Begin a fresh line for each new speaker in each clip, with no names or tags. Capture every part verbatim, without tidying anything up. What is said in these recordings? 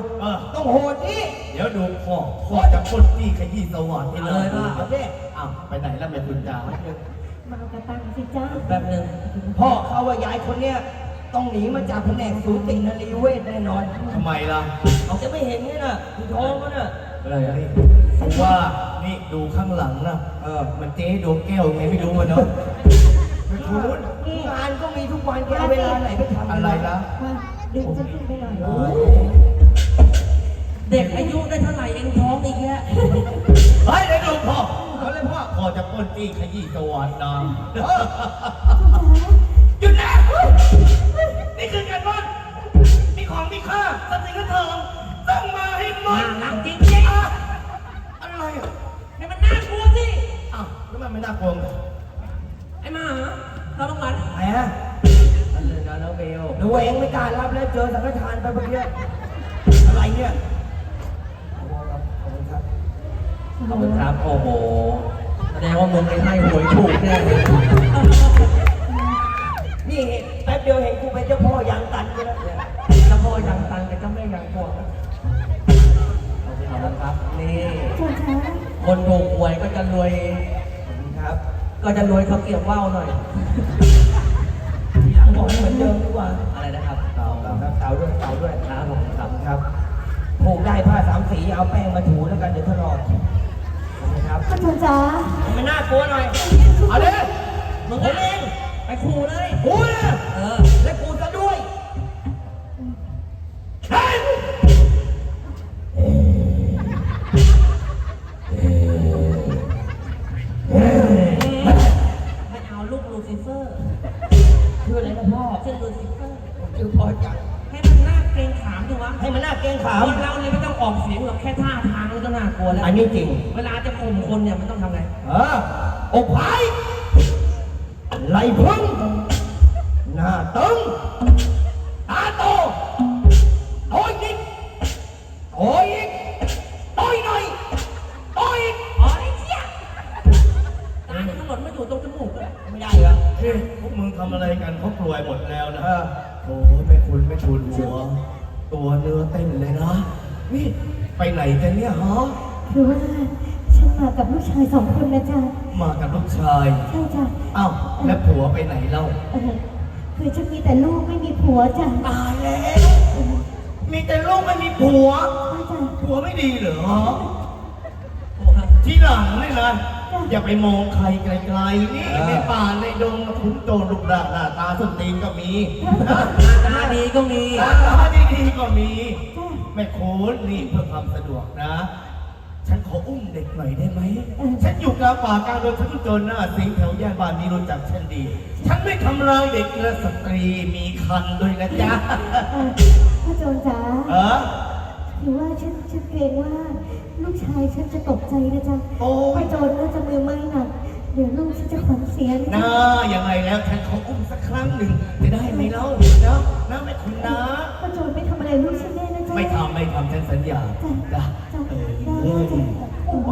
เออ
ต้องโหดนี่
เดี๋ยวดูพ่อพ่อจะพ่นที่ขยี้สว่างให้เล
เลย
ย
ว่าเอาเด้
อ้าวไปไหนแล้วแม่คุณจ๋า
มาเอากระตังสิจ้า
แป๊บนึงพ่อเขาว่ายายคนเนี้ยต้องหนีมาจากแผนกสูตินรีเวชแน่นอน
ทำไมล่ะ
เขาจะไม่เห็นไงน่ะคุณท้องมันน่ะ
อะไรอ่ะผมว่านี่ดูข้างหลังนะเออมันเจ๊ดวงแก้วไงไม่รู้มันเนาะไม่รู้
งานก็มีทุกวันแกเอาเวลาไหนไปทำ
อะไรนะ
มาดึงฉันขึ้นไปหน่อย
โอ้ย
เด็กอายุได้เท่าไหร่เองท้องอีกแล้ว
เฮ้ยเดี๋ยวดูพ่อเขาเลยพ่อพ่อจะพ่นที่ขยี้สว่างนะเออหยุดนะนี่คือการพ่นมีของมีค่าทรัพย์สินเงินทองต้องมาให้หม
มา
ด
หลังจริงจริง
อ่ะอะไรอ่ะ
ให้มันน่ากลัวสิ
อ้าวแล้วมันไม่น่ากลัวเลย
ไอ้หมาเราต้องมา
ไหนฮะ
อันเลยนะแล้วเบล
หนูเองไม่กล้ารับแล้วเจอสังฆทานไปเมื่อกี้อะไรเนี่ยขอบคุณครับ
ขอบคุณครับโอ้โหแสดงว่ามึงไม่ให้หวยถูกแน่เลย
นี่เห็นแป๊บเดียวเห็นกูเป็นเจ้าพ่อยางตันกันแล้วเนี่ย
เจ้าพ่อยังตังกับเจ้าแม่ยังพวกขอบคุณครับนี่
จ้าจ้า
คนถูกหวยก็จะรวย
ขอบคุณครับ
ก็จะรวยเขาเกี่ยวว่าวหน่อย
ทีหลังบอกให้เหมือนเดิมดีกว่า
อะไรนะครับ
เต่าครับเต่าด้วยเต่าด้วย
ครับผมครับ
ครับผูกได้ผ้าสามสีเอาแป้งมาถูแล้วกันเดี๋ยวทดลองขอบคุณครับ
พ่อโจจ้า
มันน่ากลัวหน่อยเอาเลยมึงเอง
ไปขู่เลย
กูนะ
เออ
และกูจะด้วยใช่
ไม่เอาลูกลูซิเฟอร์
ชื่ออะไรนะพ่อ
ชื่อลูซิเฟอร์
ชื่อพ่อจักร
ให้มันน่าเกรงขามดิวะ
ให้มันน่าเกรงขา
ค
ม
นเราเนี่ยไม่ต้องออกเสียงหรอกแค่ท่าทางก็น่ากลัวแล้ว
อันนี้จริง
เวลาจะข่มคนเนี่ยมันต้องทำไง
เอออกผายไหลพึ่งหน้าตึงตาโตโอยนิดโอยอีกโอยหน่อยโอยอีก
อ๋อไอ้เชี่ยตาเนี่ยถนนมาอยู่ตรงจมูกเลย
ไม่ได้เหรอ
เฮ้ยพวกมึงทำอะไรกันเขากลวยหมดแล้วนะโอ้ยไม่คุณไม่คุณหัว ตัวเนื้อเต้นเลยนะนี่ไปไหนกันเนี่ยฮะ
คือว่าฉันมากับลูกชายสองคนนะจ้า
มากับลูกชาย
ใช่จ้า
อ้าวแล้วผัวไปไหนเล่า
เออคือฉันมีแต่ลูกไม่มีผัวจ้า
ตายแล้วมีแต่ลูกไม่มีผัว
ใช่จ้า
ผัวไม่ดีเหรอ
โอ้ครับ
ที่หลังนี่นะอย่าไปมองใครไกลๆนี่ในป่าในดงคุณโจรลูกด่างหน้าตาส้นตีนก็มี
ตาดีก็มี
หน้าตาดีๆก็มีแม่โค้ดนี่เพื่อความสะดวกนะ ฉันขออุ้มเด็กหน่อยได้ไหม ฉันอยู่กลางป่ากลางดงฉันโจรหน้าสิงแถวย่านบ้านนี้รู้จักฉันดี ฉันไม่ทำลายเด็กและสตรีมีคันด้วยนะจ๊ะ
เออพ่อโจจ้า
เออ
คือว่าฉันฉันเกรงว่าลูกชายฉันจะตกใจนะจ๊ะ
โอ้ย
พ่อโจน่าจะมือไม่หนักเดี๋ยวลูกฉันจะขวัญเสียนะ
นะ
จ๊ะ
ยังไงแล้วฉันขออุ้มสักครั้งหนึ่งจะได้ไหมเล่านะนะแม่คุณนะ
พ่อโจไม่ทำอะไรลูกฉันแน่นะจ๊ะ
ไม่ทำไม่ทำฉันสัญญา
จ้ะ
จ้ะ
จ้ะ
เออ
ได้
โอ้
จ้ะ
โห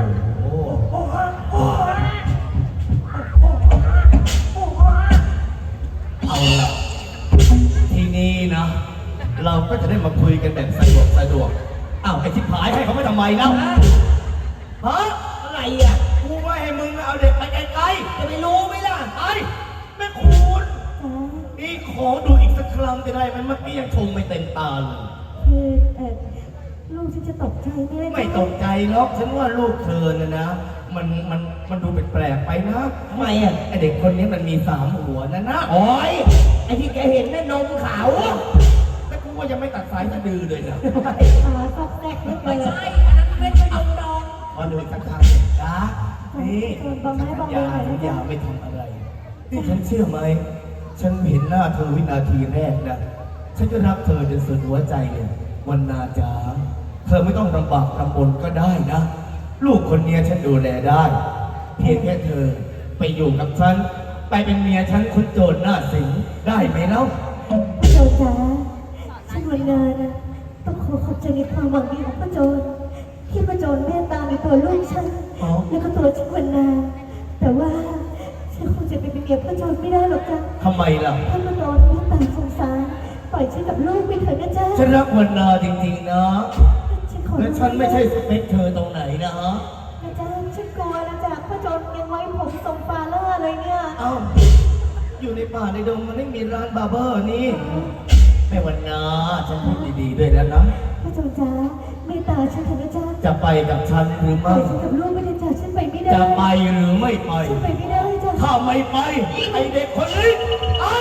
เอาละทีนี้นะ เราก็จะได้มาคุยกันแบบสะดวกสะดวกอ้าวไอ้ที่ผายให้เขาไม่ทำไมแล้วฮะ
อะไรอ่ะ
กูว่าให้มึงเอาเด็กไปไกล
จะไปรู้ไหมล่ะ
ๆไอ้แม่คุณ
จ้ะ
นี่ขอดูอีกสักครั้งจะได้ไหมเมื่อกี้ยังชมไม่เต็มตาเลย
คือเออลูกฉันจะตกใจไหมล่ะจ๊ะ
ไม่ตกใจหรอกฉันว่าลูกเธอนะนะ มันมันมันดูแปลกๆไปนะ
ทำไมอ่ะ
ไอเด็กคนนี้มันมีสามหัวนะนะ
โอ้ยไอ้ที่แกเห็นนั่นนมขาวอ่ะ
แต่กูว่ายังไม่ตัดสายสะดือเลยนะ
ขาซอกแซกนิดเล
ไม่
ย
ใช่ อันนั้นเป็นพยงดอง
มาดูอีกสักครั้งนะนี่สัญญาสัญญาไม่ทำอะไรนี่ฉันเชื่อไหมฉันเห็นหน้าเธอวินาทีแรกนะฉันจะรักเธอจนสุดหัวใจเลยวันนาจ๋าเธอไม่ต้องลำบากลำบนก็ได้นะ ลูกคนนี้ฉันดูแลได้ เพียงแค่เธอไปอยู่กับฉัน ไปเป็นเมียฉันคนโจรหน้าสิงได้ไหมเล่า
พ่อโจจ๋าฉันวันนานะต้องขอขอบใจในความหวังดีของพ่อโจรที่พ่อโจรเมตตาในตัวลูกฉัน
อ๋อ
แล้วก็ตัวฉันวันนาแต่ว่าฉันคงจะไปเป็นเมียพ่อโจรไม่ได้หรอกจ้ะ
ทำไมล่ะ
ถ้าพ่อโจรเมตตาสงสารปล่อยฉันกับลูกไปเถอะนะจ๊ะ
ฉันรักวันนาจริงๆนะ
ฉันขอ
และฉันไม่ใช่สเปคเธอตรงไหนนะฮะ
นะจ๊ะฉันกลัวนะจ๊ะพ่อโจรยังไว้ผมทรงฟาล่าเลยเนี่ย
เอ้าอยู่ในป่าในดงมันไม่มีร้านบาร์เบอร์นี่แม่วันนาฉันพูดดีๆด้วยแล้วนะ
พ่อโจรจ้าเมตตาฉันเถอะนะจ๊ะ
จะไปกับฉันหรือ
ปล่
ไม่
อยฉันกับลูกไปเถอะจ้ะฉันไปไม่ได้
จะไปหรือไม่ไป
ฉันไปไม่ได้จ้ะ
ถ้าไม่ไปไอเด็กคนนี้ไอ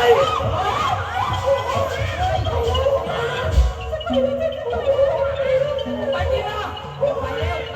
ไปดินะไปเร็ว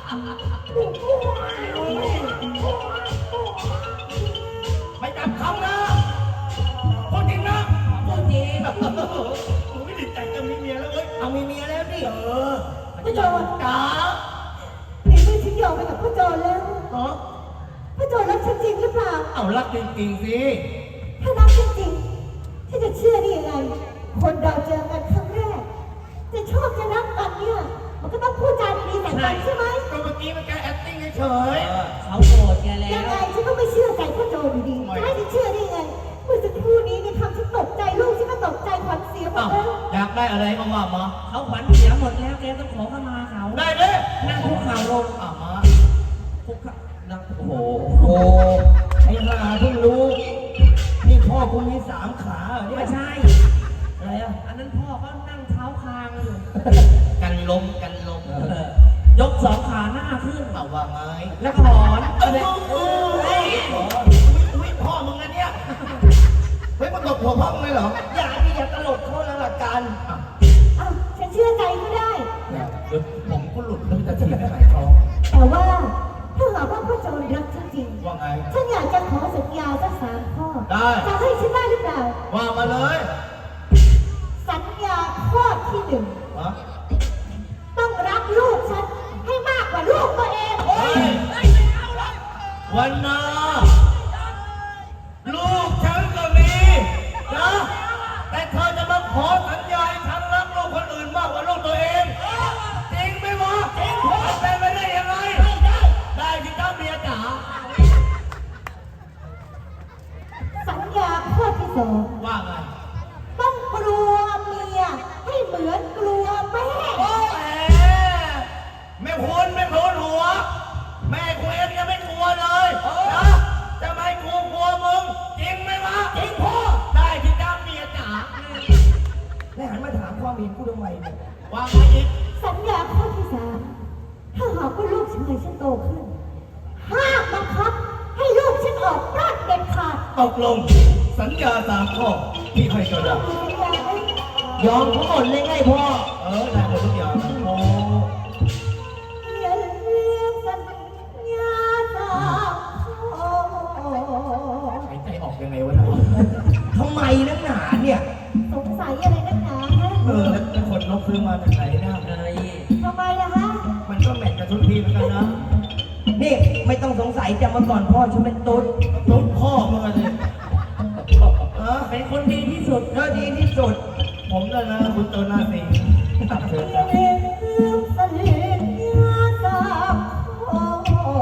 ไม่จำคำนะพูดจริงนะพูดจริงกูไม่ติดใจจะมีเมียแล้วเว้ยเอามีเมียแล้วดิเออ
พ่อโจร
จ๋า
ในเมื่อฉันยอมไปกับพ่อโจรแล้ว
เนาะ
พ่อโจรรักฉันจริงหรือเปล่า
เอารักจริงๆสิ
ถ้ารักฉันจริงฉันจะเชื่อได้ยังไง คนเราเจอกันครั้งแรก จะชอบจะรักกันเนี่ย มันก็ต้องพูดจาดีๆใส่กันใช่ไหม
ก็เมื่อกี้มันแค่ acting เฉย
เขาโกรธแกแล้
ยัง
ว
ไงฉันก็ไม่เชื่อใจพ่อโจรอยู่ดีจะให้ฉันเชื่อได้ยังไง เมื่อสักครู่นี้เนี่ยทำฉันตกใจลูกฉันก็ตกใจขวัญเสียหมด
เอ้า
แล้ว
อยากได้อะไรก็ว่ามา
เขาขวัญเสียหมดแล้วแกต้องขอเข้ามาเขา
ได้เลย
นั่งคุกเข่าลง
อ่ะมา
คุกเข่านั่ง
โอ้โหโอ้ไอ้ห่าเพิ่งรู้ นี่พ่อกูมีสามขาเหรอเนี่
ไม่
ย
ใช่
อะไรอ่ะ
อันนั้นพ่อก็นั่งเท้าคางอยู่
กันลมกันลม
ยกสองขาหน้าขึ้น
เอาว่าไง
แล้วก็หอน
เอ้ยเอ้ยอุ้ยพ่อมึงนะเนี่ย เฮ้ยมันตบหัวพ่อมึงเลยเหรอ
อย่าที่อย่าตลกเขาแล้วละกัน
อ่ะ
อ้าวฉันเชื่อใจก็ได้
เนี่ยเดี๋ยวผมก็หลุดแล้วจะถีบให้ไหนท้อง
แต่ว่าถ้าหากว่าพ่อโจรรักฉันจริง
ว่าไง
ฉันอยากจะขอสัญญาสักสามข้อ
ได้
จะให้ฉันได้หรือเปล่า
ว่ามาเลย
สัญญาข้อที่หนึ่ง
ฮะ
ต้องรักลูกฉันให้มากกว่าลูกตัวเอง
เฮ้ยวันนาลูกฉันก็มีนะ แต่เธอจะมาขอสัญญาให้ฉันรักลูกคนอื่นมากกว่าลูกตัวเอง จริงไหมวะจริงเป็นไปได้ยังไง ได้ที่จ้าเมียจ๋า
สัญญาข้อที่สอง
ว่าไง
ต้องกลัวเมียให้เหมือนกลัวแม่
โอ้แหมแม่คุณแม่คุณหัว แม่กูเองยังไม่กลัวเลยนะจะไม่กูกลัวมึง จริงไหมวะจริงพ่อได้ที่จ้าเมียจ๋า
แล้วหันมาถามความเห็นกูทำไมเนี่ย
ว่าไงอีก
สัญญาข้อที่สามถ้าหากว่าลูกชายฉันโตขึ้นห้ามบังคับให้ลูกฉันออกปล้นเด็ดขาด
ตกลง สัญญาสามข้อที่ให้ก็ได้
มีสัญญาไหม
ยอมทั้งหมดเลยไงพ่อ
เออได้หมดทุกอย่างโอ้
อย่าลืมสัญญาสามข้อ
หายใจออกยังไงวะเนี่ย
ทำไมนักหนาเนี่ย
สงสัยอะไรนักหนาฮะ
เออแล้วแล้วคนนกซื้อมาจากไหนเนี่ย
อะไร
ทำไมล่ะฮะ
มันก็แมทกับชุดพี่เหมือนกันนะ
นี่ไม่ต้องสงสัยแต่เมื่อก่อนพ่อฉันเป็นตุ๊ด
ชุดพ่อมึงอะสิฮะ
เป็นคนดีที่สุด
ก็ดีที่สุด
ผมน่ะนะคุณโจนาสีตัดเชิญ
อ
ครั
ย่า
บ
ลืมสัญญาสามข้อ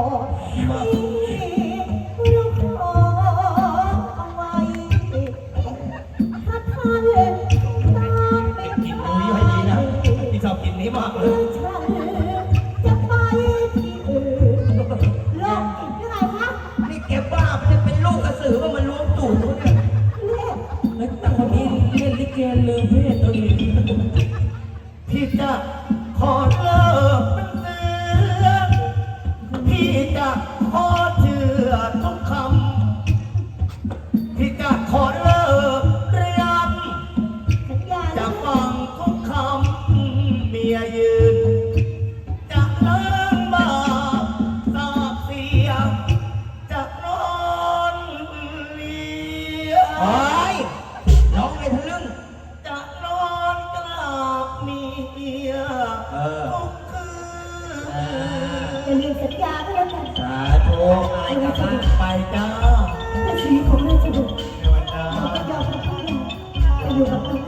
ที่ลูกขอเอาไว้ ถ้าท่านตามไม่
กิน
ทั
นุ้ยให้ดีนะที่ชอบกินนี้มากเลย
ฉันจะไปที่อื่นโลกอีกเท่าไหร่คะ
นี่แกบ้ามันจะเป็นลูกกระสือว่ามันล้วงตูดเขาเนี่ย
เลข
แล้วแต่คนนี้เล่นลิเกลืมเพศตัวเอง
พี่จะขอเลิกเป็นเสือพี่จะขอเชื่อทุกคำพี่จะขอเลิกเรียม
สัญญา
จะ
แล้ว
ฟังทุกคำเมียยืน จะเลิกมาสาบเสีย จะนอนเลีย
เฮ้ยร้องไงทะลึ่ง
จะนอนกราบเมียทุกคืน
อย่าลืมสัญญาก็แล้วกัน
สาธุไปจ้า
ถ้าชีวิตของแม่จะดุ
เทวดา
เราจะยอมรับทุกอย่างจะอยู่กับเรา